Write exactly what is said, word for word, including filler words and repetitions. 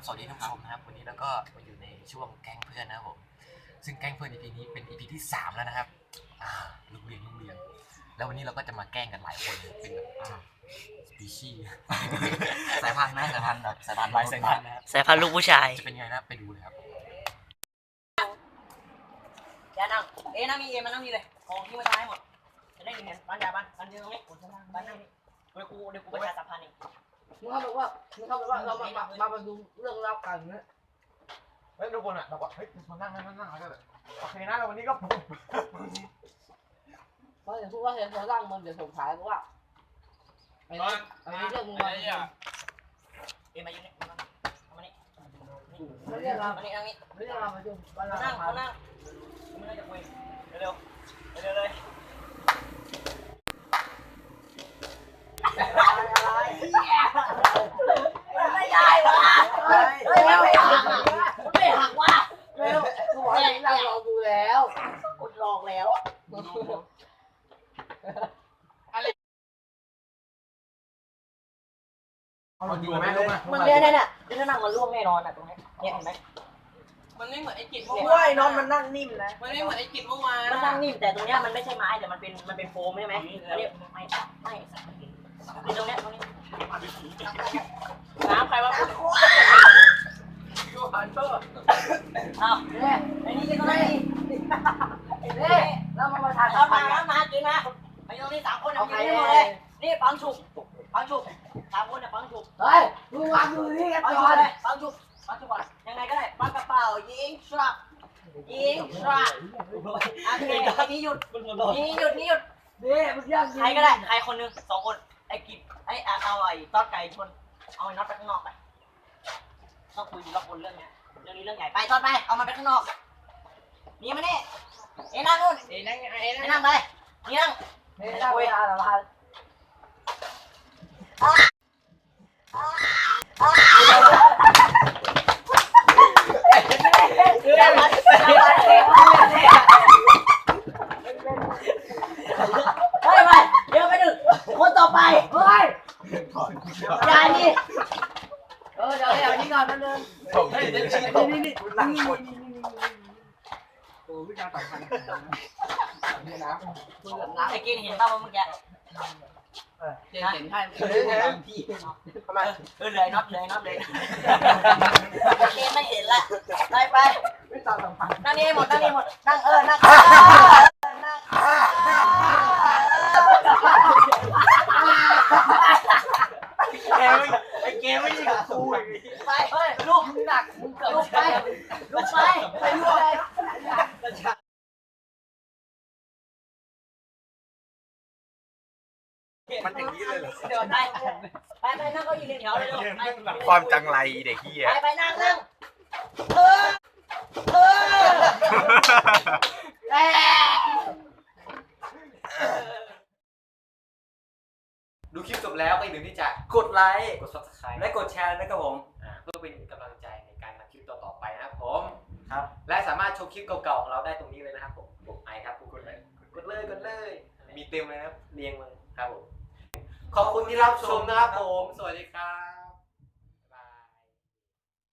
สวัสดีท่านผู้ชมนะครับวันนี้แล้วก็มาอยู่ในช่วงแก๊งเพื่อนนะครับผมซึ่งแก๊งเพื่อน อี พี นี้เป็น อี พี ที่สามแล้วนะครับอ่าลุงเรียงลุงเรียงแล้ววันนี้เราก็จะมาแกล้งกันหลายคนเป็นแบบสปีชีส์สายพันธุ์นะสายพันธุ์แบบสายพันธุ์หลายสายพันธุ์นะครับสายพันธุ์ลูกผู้ชายจะเป็นไงนะไปดูเลยครับอย่านั่งเอ๊นั่งนี่เอ๊มานั่งนี่เลยของที่มาใช้หมดจะได้เห็นบ้านยาบ้านบ้านเดียวตรงนี้คนชั้นล่างบ้านนั่งนี่เดี๋ยวกูเดี๋ยวกูประชาสัมพันธ์เองมึงเขาบอกว่ามึงเขาบอกว่าเรามามามาดูเรื่องเล่ากันนะเฮ้ยทุกคนอ่ะเราบอกเฮ้ยมานั่งนั่งนั่งแล้วก็โอเคนะวันนี้ก็เพราะอย่างพูดว่าเห็นเขาร่างมันเดี๋ยวสงสัยเพราะว่าไอ้นี่ไอ้นี่เรื่องมึงมาเอ๊มาอยู่นี่มานี่ไม่เรียกเรามานี่นั่งนี่ไม่เรียกเรามาดูมานั่งนั่งนั่งไม่ได้จะคุยเร็วเร็วเลยไม่ได้วะไม่ไม่หักไม่หักวะเร็วกูบอกให้นั่งรอดูแล้วกดลองแล้วเอาอยู่ไหมลูกมันเนี่ยเนี่ยเนี่ยจะนั่งมันล่วงแน่นอนอ่ะตรงนี้เนี่ยเห็นไหมมันไม่เหมือนไอ้กิจเมื่อว่วานนอนมันนั่งนิ่มนะมันไม่เหมือนไอ้กิจเมื่อวานมันนั่งนิ่มแต่ตรงเนี้ยมันไม่ใช่ไม้แต่มันเป็นมันเป็นโฟมใช่ไหมอันนี้ไม่ไม่นี่ตรงเนี้ยตรงนี้น้ำใครวะยูฮันเตอร์อ้าวเนี่ยไอ้นี่ก็ได้เนี่ยเรามาประทานเอามาเอามากินมาไอ้ตรงนี้สามคนเอากินได้หมดเลยนี่ปังฉุกปังฉุกสามคนเนี่ยปังฉุกเฮ้ยมึงวางดูนี่กันปังก่ฉุอก นเลยปังฉุกปังฉุกก่อนยังไงก็ได้ปังกระเป๋ายิงชักยิงชักโอเคนี่หยุดนี่หยุดนี่หยุดนี่มึงย่างใครก็ได้ใครคนนึงสองคนไอ้กิจไอ้เอาไอ้ตอดไก่ชนเอาไอ้น็อตไปข้างนอกไปต้องคุยรอบคนเรื่องเนี้ยเรื่องนี้เรื่องใหญ่ไปตอดไปเอามันไปข้างนอกนี่มาเนี่ยเอ็นั่งนู่นเอ้นั่งไอ้เอ็นั่งไปนี่นั่งนี่ได้เวลาแล้วพันเฮ้ยไปเดี๋ยวไปดึกคนต่อไปเฮ้ยยายนี่เออเดี๋ยวเดี๋ยวนี่ก่อนแป๊บนึงเฮ้ยเดี๋ยวชี้นี่นี่นี่นั่งกดโอ้วิจารณ์สำคัญนี่นะมึงกับน้ำไอ้กินเห็นป่าวเมื่อกี้เจนเห็นให้พี่ทำไมเออเลยน็อตเลยน็อตเลยไอ้กินไม่เห็นละไปไปวิจารณ์สำคัญนั่งนี่หมดนั่งนี่หมดนั่งเออนั่งนั่งไอ้เกมไม่ใช่กับกูอย่างนี้ไปเฮ้ยลูกมึงหนักมึงเกิดลูกไปลูกไปไปลูกไปมันอย่างนี้เลยเหรอเดี๋ยวไปไปไปนั่งเก้าอี้เรียงแถวเลยลูกไปความจังไรเด็กเฮียไปไปนั่งนั่งเออเออดูคลิปจบแล้วก็อย่าลืมที่จะกดไลค์กด ซับสไครบ์และกดแชร์นะครับผมเพื่อเป็นกำลังใจในการทำคลิปต่อๆไปนะครับผมครับและสามารถชมคลิปเก่าๆของเราได้ตรงนี้เลยนะครับผมกดไอครับกดเลยกดเลยกดเลยมีเต็มเลยนะครับเรียงเลยครับผมขอบคุณที่รับชมนะครับผมสวัสดีครับ